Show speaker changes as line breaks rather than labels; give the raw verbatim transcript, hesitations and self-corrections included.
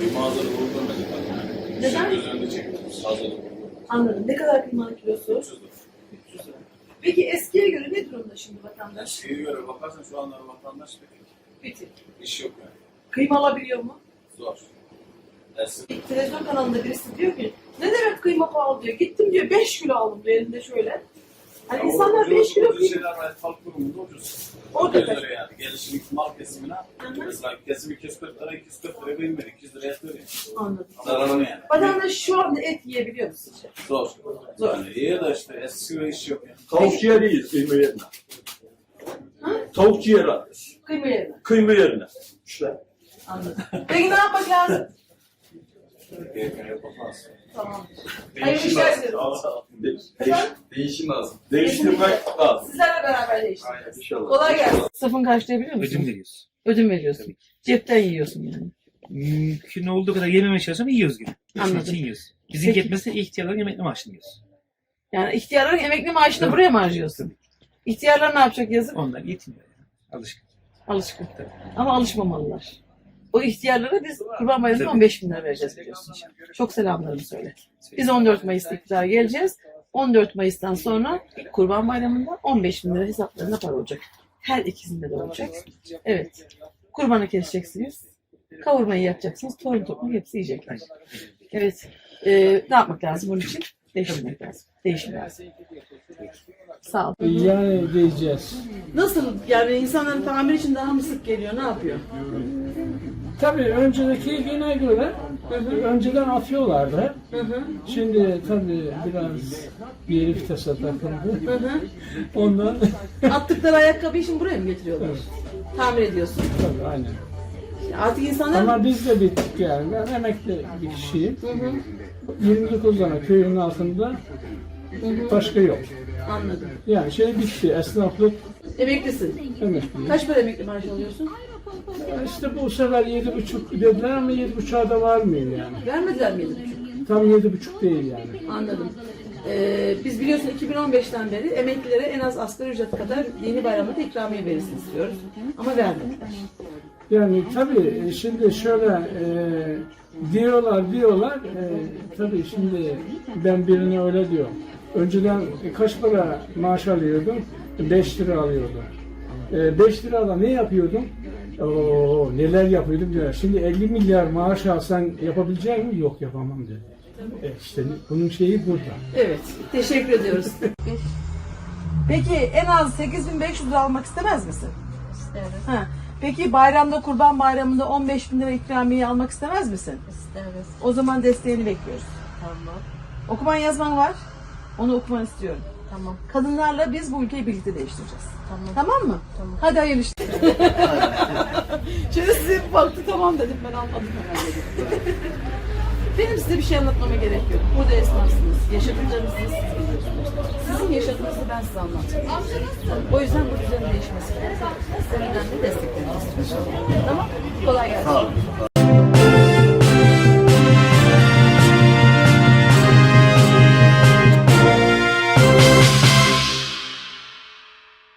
Mağazalı bulundum ben.
Neden?
Göz önünde çektim. Hazırlık.
Anladım. Ne kadar kıymanın kilosu?
üç yüz lira.
üç yüz lira. Peki eskiye göre ne durumda şimdi vatandaş?
Şeye göre bakarsan şu anda vatandaş pek
Bitik.
iş yok yani.
Kıyma alabiliyor mu?
Zor. Eski.
Televizyon kanalında birisi diyor ki ne demek kıyma pahalı diyor. Gittim diyor beş kilo aldım diyor elinde şöyle. Hani
Ya
insanlar
o
beş
ucuz-
kilo
ucuz
kıyma.
şeyler var. Halk durumunda ucuz.
Orada
yüz
kaç?
lira yani. Gelişim mal kesimine. Mesela kesim iki yüz kırk lira, iki yüz kırk lira bilmedi. iki yüz liraya veriyor.
Anladım.
Zararlı yani.
Vatandaş şu anda et yiyebiliyor mu sizce?
Zor.
Zor.
Yani iyi de işte eski ve iş yok yani.
Tavuk ciğeri yiyiz kıyma yerine.
Ha?
Tavuk ciğeri alıyoruz.
Kıyma yerine.
Kıyma yerine. İşte.
Anladım. Peki ne yapmak lazım?
Keyfine yapamaz.
Tamam. Hayırlı işler dilerim.
De-
Efendim?
Değişim lazım.
değiştirmek lazım.
Sizlerle beraber değiştireceğiz.
İnşallah.
Kolay gelsin. Safın karşılayabiliyor musun?
Ödün veriyoruz.
Ödün veriyorsun. Cepten yiyorsun yani.
Mümkün olduğu kadar yememeye çalışıyorum, yiyoruz gibi.
Anladım.
Anladım. Yiyoruz. Bizim
Peki.
yetmezse ihtiyarların emekli maaşını yiyoruz.
Yani ihtiyarların emekli maaşını buraya mı harcıyorsun? İhtiyarlar ne yapacak yazık?
Onlar yetmiyor. Yani. Alışkın.
Alışkın. Ama alışmamalılar. O ihtiyarlara biz Kurban Bayramı'nda on beş bin lira vereceğiz biliyorsun. Çok selamlarımı söyle. Biz on dört Mayıs'ta iktidara geleceğiz. on dört Mayıs'tan sonra Kurban Bayramı'nda on beş bin lira hesaplarına para olacak. Her ikisinde de olacak. Evet. Kurbanı keseceksiniz. Kavurmayı yapacaksınız. Torun toplum hepsi yiyecekler. Evet. Ee, ne yapmak lazım bunun için? Değiştirmek lazım. Değişim lazım. Sağ ol.
Yani diyeceğiz.
Nasıl? Yani insanların tamir için daha mı sık geliyor? Ne yapıyor?
Tabii önceki güne göre önceden atıyorlardı.
Hı hı.
Şimdi tabii biraz bir vitese takıldı.
Hı hı.
Ondan
Attıkları ayakkabıyı şimdi buraya mı getiriyorlar? Tamir ediyorsun.
tabii aynen.
Artık insanlar...
Ama biz de bittik yani. Ben emekli bir kişiyim.
Hı hı.
yirmi dokuz tane köyün altında
Hı hı.
başka yok.
Anladım.
Yani şey bitti. Esnaflık
Emeklisin.
emekli.
Kaç para emekli maaş alıyorsun?
İşte bu sefer yedi buçuk dediler ama yedi buçuğa da varmıyor yani.
Vermediler mi yedi buçuk?
Tam yedi buçuk değil yani.
Anladım. Ee, biz biliyorsun iki bin on beşten beri emeklilere en az asgari ücret kadar dini bayramda da ikramiye verilsin istiyoruz. Ama vermediler.
Yani tabii şimdi şöyle e, diyorlar diyorlar e, tabii şimdi ben birine öyle diyorum. Önceden kaç para maaş alıyordum? beş lira alıyordum. E, beş lirada ne yapıyordum? Oo, neler yapıyordum diyor. Şimdi elli milyar maaş alsan yapabilecek mi? Yok yapamam dedi. E, işte bunun şeyi burada.
Evet. Teşekkür ediyoruz. Peki en az sekiz bin beş yüz lira almak istemez misin?
İsteriz.
Ha. Peki bayramda, Kurban Bayramı'nda on beş bin lira ikramiye almak istemez misin?
İsteriz.
O zaman desteğini bekliyoruz.
Tamam.
Okuman yazman var. Onu okuman istiyorum.
Tamam.
Kadınlarla biz bu ülkeyi birlikte değiştireceğiz.
Tamam.
Tamam mı?
Tamam.
Hadi hayırlı işler. Şöyle size bir baktı tamam dedim ben anladım herhalde dedim. Benim size bir şey anlatmama gerek yok. Burada esnafsınız. Yaşadıklarınızı siz biliyorsunuz. Sizin yaşadığınızı ben size anlatacağım. O yüzden bu düzenin değişmesi lazım. Sizden önemli desteklerinizi istiyorum. Tamam? Kolay gelsin.